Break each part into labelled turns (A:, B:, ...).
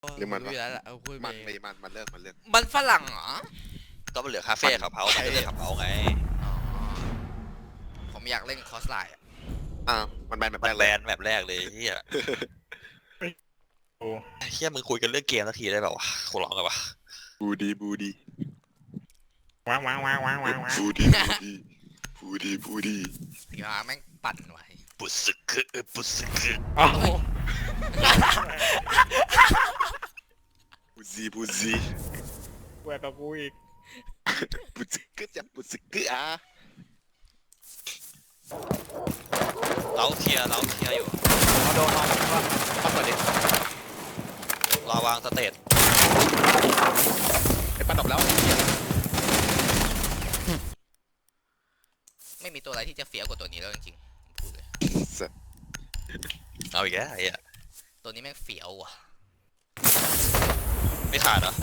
A: หรือมันวะ
B: รู้อยู่แล้วล่ะเอาคุยไป
A: มันเลิก
B: มันฝรั่งเหรอ
C: ก็มันเหลือคาเฟ่ขับเฮาส์มันก็เลยขับเฮาส์ไง
B: อ๋อผมอยากเล่นคอสไลน์
A: มันแบนแบบ
C: มั
A: แร
C: น
A: ก
C: แบ
A: เลย
C: นแบบแรกเลยเฮีย
D: โอ้
C: เฮียมึงคุยกันเรื่องเกมสักทีได้แบบวะขอร้องกันวะ
A: บูดี
D: ว้างว้างว้างว้างว้างว้าง
A: บูดี
B: อย่าแม่งปั่นไว้
C: ปุสึกปุสึก
D: อ๋อ
A: บูซี
D: แหวกกับกูอีก
A: บูซึกจะบูซึกอ่ะ
C: เราเคลียร์อยู่
D: เอาโดนมาว่า
A: เข้าก่อนดิ
C: รอวางสเตต
A: ไอ้ปันดอกแล้ว
B: ไม่มีตัวอะไรที่จะเฟี้ยวกว่าตัวนี้แล้วจริงๆผมพูดเลย
C: เอาอีกแล้วไอ้เหี้ย
B: ตัวนี้แม่งเฟี้ยวว่ะ
C: ไม่ขาดเหรอ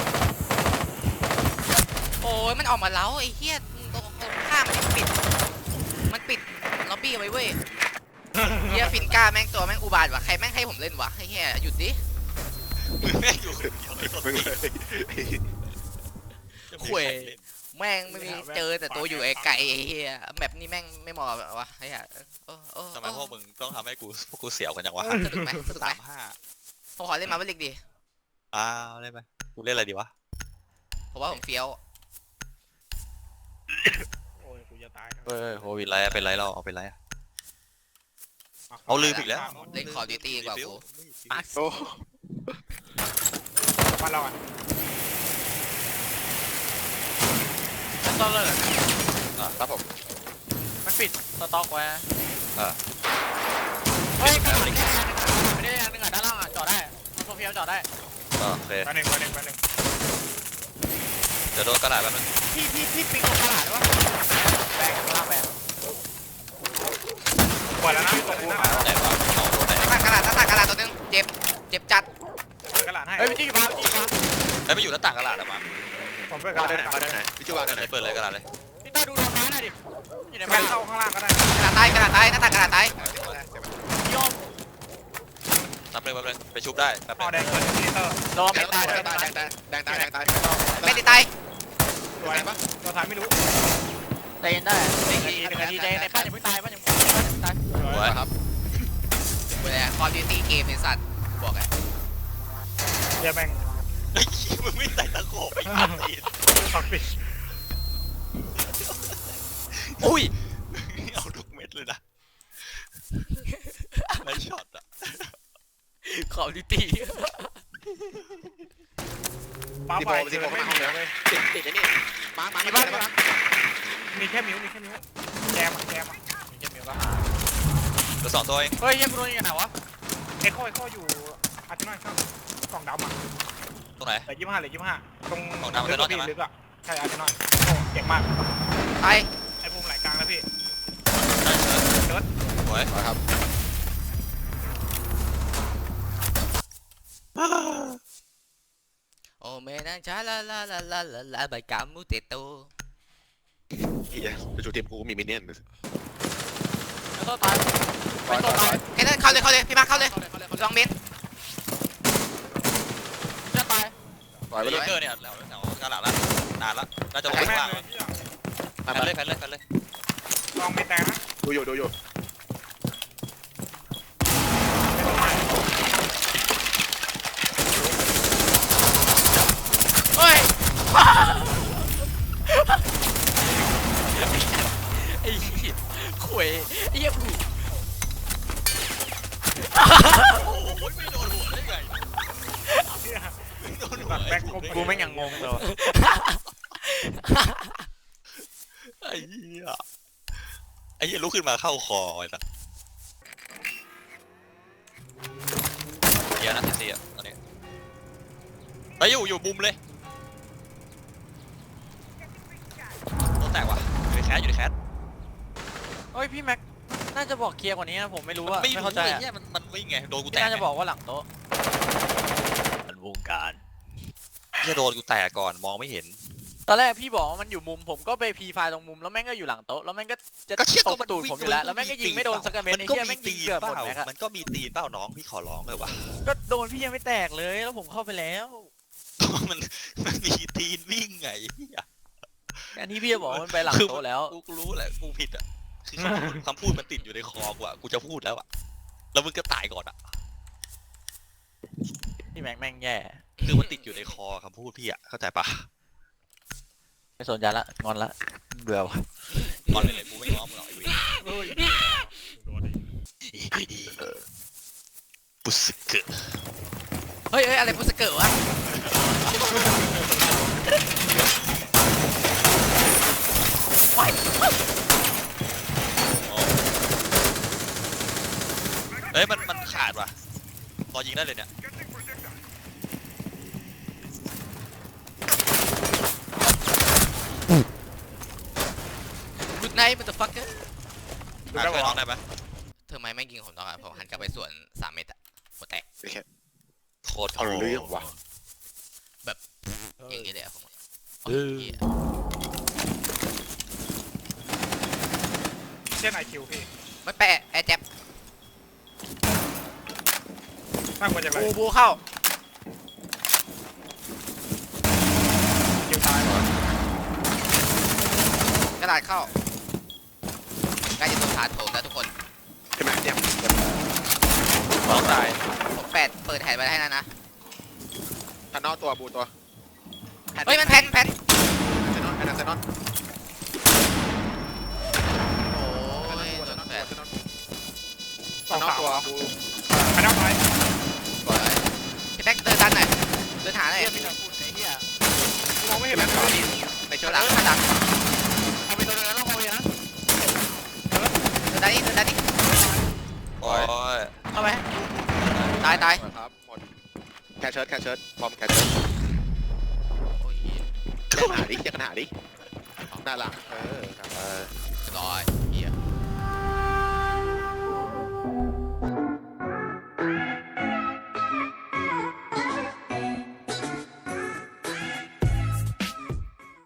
B: โอ้ยมันออกมาแล้วไอ้เหี้ยตรงข้ามมันปิดล็อบบี้เอาไว้เว้ยเหี้ยฟินก้าแม่งตัวแม่งอุบาทว่ะใครแม่งให้ผมเล่นวะไอ้เหี้ยหยุดดิ
C: มึงแม่งอยู่คนเดียวเลย
A: มึงเลย
B: ข่วยแม่งไม่มีเจอแต่ตัวอยู่ไกลๆไอ้เหี้ยแมปนี้แม่งไม่เหมาะวะไอ้เหี้ย
C: ทำไมพวกมึงต้องทำให้พวกกูเสียวกันจังวะ
B: สนุกไหมผมขอเล่นมาเวลิกดิ
C: อ้าวเล่นไหมกูเล่นอะไรดีวะ
B: ผมว่าผมเฟี้ยว
D: โอ้ยกูจะตาย
C: เฮ้ยโควิดไรเป็นไรเราเอาเป็นไรเอาลืมอีกแล้ว
B: เล่นคอร์ดิวตี้กว่ากู
A: โอ้
D: บ้านเราอ่ะ
E: ต้องเลิก
A: ครับผม
E: มันปิดสต็อกไว้
C: อ่า
E: เฮ้ยข้างหลังไม่ได้อันนึงอ่ะด้านล่างอ่ะจอดได้มันโซเฟียจอดได้
C: โอเค
D: บ้านหนึ่ง
C: เดี๋ยวโดนกระดาษแป๊บนึง
E: พี่ปิ๊กตรงตลาดได้ปะแบงกลางแบง
D: เปิดแล้วนะเปิดแล้วนะ
C: ไหนวะเอาโดนไหน
B: ตั้งกระดาษตัวนึงเจ็บจัด
D: เปิดกระดาษให้
E: เฮ้ยพี่จี้ฟ้าจี้ฟ้า
C: ไอ้ไม่อยู่หน้าต่างกระดาษอะมา
D: ผมเปิดกระ
A: วาง
D: ดาษ
A: ได้ไหนวางได้ไหนพี่จูวางได้ไหน
C: เปิดเลยกระดาษเลย
E: พี่ต้าดูโดนฟ้าหน่อยดิอยู่ใน
D: แม่
E: บ้าน
D: เข้าข้างล่างก็ได้
B: กระดาษตายหน้าต่างกระดาษตาย
E: พี่โยม
C: นับเลยไปชุบได้แป๊บ
D: อ๋อแด
C: นึ
D: ง
C: ง
D: เปิดมินิเตอร์
E: โดน
A: แด
E: ไม่
A: ง
E: ตาย
A: ตาย
B: ไม่ได้ตาย
D: สวยปะตัวท้ายไม่รู้
E: ใจเย็นได้1 นาทีใจในบ้านยังไม่ตายบ้านยังไม่ตาย
C: สวย
A: ครับ
B: เวลาคอร์ดิวตี้เกมในสัตว์บอกไง
D: เดี๋ยวแม่ง
C: ไอ้ขี้มึงไม่ใส่ตะโขบไอ้ตัดตีน
D: ฝักปิด
C: อุ้ยเอาทุกเม็ดเลยนะไอ้ช็อตอะ
B: คอร์ดิวตี้
D: ป้า
A: ดี
D: ไฟ
A: โบดีโบเข้ามาห้องแล้วติดไอ้นี่มา
D: มีบ้านมีแค่มิ้วแจมอ่ะ
E: มีเกมมีปะ
C: เหลือ2 ตัวเอง
E: เฮ้ยยังกูโดนยังไงไหนวะ
D: เอ็กโคอยู่อาร์ตินอยข้างกล่องดำอ่ะ
C: ตรงไหน
D: เหลือ25ตรง
C: กล่องดำ Arsenal ใช่ไหม
D: ลึกอ่ะใช่อาร์ตินอยโอ้เก่งมาก
B: ตาย
D: ไอ้ภูมิไหลกลางแล้วพี่
C: ได้เชิญสวย
A: ครับ
B: โอ้เมนังชาลาใบกามูเตโต
A: เฮียไปจูทีมกูมีมินเนี่ยน
E: แล้วตัวตายไม่ตัวตาย
B: เฮ้ยเข้าเลยพี่มาเข้าเลยลองเบน
E: จะตาย
A: ปล่อยไป
C: เบ
A: เลย
C: เกอร์เนี่ยแถวกระดาษละนานละน่าจะลง
D: แม่
C: ข้าง
D: ง
C: ล่าง
D: เลย
C: แฟนเลย
D: ลองไม่แตกนะ
A: ดูอยู่
B: เฮ้ยไอ้เหี้ยข่วยไอ้เหี้ยผู
C: โอ้ยไม่โดนหัวได้ไงไม่โดนหัว
D: แบ็คกลม
E: กูไม่ยังงงเลย
C: ไอ้เหี้ยลุกขึ้นมาเข้าคอไอ้สัสเดี๋ยวนะทีซีอ่ะตอนนี้ไปอยู่บุมเลยโดนแตกว่ะอยู่ในแคส
E: เฮ้ยพี่แม็กน่าจะบอกเคลียร์กว่านี้นะผมไม่รู้อะไม่เข้าใจ
C: ไอ้
E: อะ
C: เหี้ยมันวิ่งไงโดนกูแต
E: พี่
C: ก
E: น่าจะบอกว่าหลังโต๊ะ
C: มันวงการเหี้ยโดนกูแตกก่อนมองไม่เห็น
E: ตอนแรกพี่บอกว่ามันอยู่มุมผมก็ไปพีไฟล์ตรงมุมแล้วแม่งก็อยู่หลังโต๊ะแล้วแม่งก็จะ
C: ก็เชี่ย
E: ต
C: ก็
E: บ
C: มัน
E: ตูดผมอยู่แล้วแล้วแม่งก็ยิงไม่โดนสักกระเม็ดไอ้เหี้ยแม่งยิงเกือบหมดแม็กอะ
C: มันก็มีตีนเปล่าน้องพี่ขอร้องเลยว่ะ
E: ก็โดนพี่ยังไม่แตกเลยแล้วผมเข้าไปแล้ว
C: มันมีตีนวิ่งไง
E: อันนี้พี่จะบอกว่ามันไปหลังโต๊ะแล้ว
C: กูรู้แหละกูผิดอ่ะคือคำพูดมันติดอยู่ในคอกูอ่ะกูจะพูดแล้วอ่ะแล้วมึงก็ตายก่อนอ่ะ
E: พี่แม็กแม่งแย่
C: คือมันติดอยู่ในคอคำพูดพี่อ่ะเข้าใจปะ
E: ไม่สนใจละงอนละเบื่อว่ะ
C: ตอนเลยกูไม่ง้อมึงหรอกไอ้เว้ยปุสเกะ
B: เฮ้ยอะไรพุสเกิร์วะ
C: เอ้ยมันขาดว่ะพอยิงได้เลยเนี่ย
B: กุดไนท์มันจะฟักเกอร์
C: ช่วยน้องได้ไหม
B: เธอไม่แม่งยิงผมตอนผมหันกลับไปสวน3 เมตรอะหัวแตก
C: โคตร
A: เอาเรื่องว่ะ
B: อย่างนี้เลยอะผมโอ้ยเหี้ย
D: เช่นไอคิวพี่
B: ไม่แปะแอร์แจ็บ
D: มากกว่าจะไร
B: บูเข้า
D: คิวตายเหรอก
B: ระดาษเข้าใกล้จะต้องผ่านโถงแล้วทุกคน
A: ใช่ไหมเนี่ย
C: น้องตาย
B: ผมเปิดแผนไว้ให้นะ
A: ทันนอตัวบูตัว
B: เฮ้ยมันแพน
A: เซนอนแอนเซนอน
B: โอ้ยโดนแผน
A: ทันนอตัวบู
D: ไม่ต้องไป
B: ก่อนพี่แบ็คเดินดันหน่อยเดินหาหน่อย
E: เหี้ยพี่จะพูดไอ้เหี้ย
D: มองไม่เห็นแล้ว
A: ในเชิ
B: ข้าง งหลังข้างหลัง
E: เอาไปตัวนึงแล้วลงเอาไปนะ
B: เดินดันนี่เดินดันนี่
C: โอ้ย
E: เข้าไป
B: ตาย
A: ครับหมดแคชเชิร์ตบอมแคชเชิร์ต
B: โอ้ยเหี้ย
A: แยกกันหาดิหน้าหลังเรียบร้อย
B: ร้อย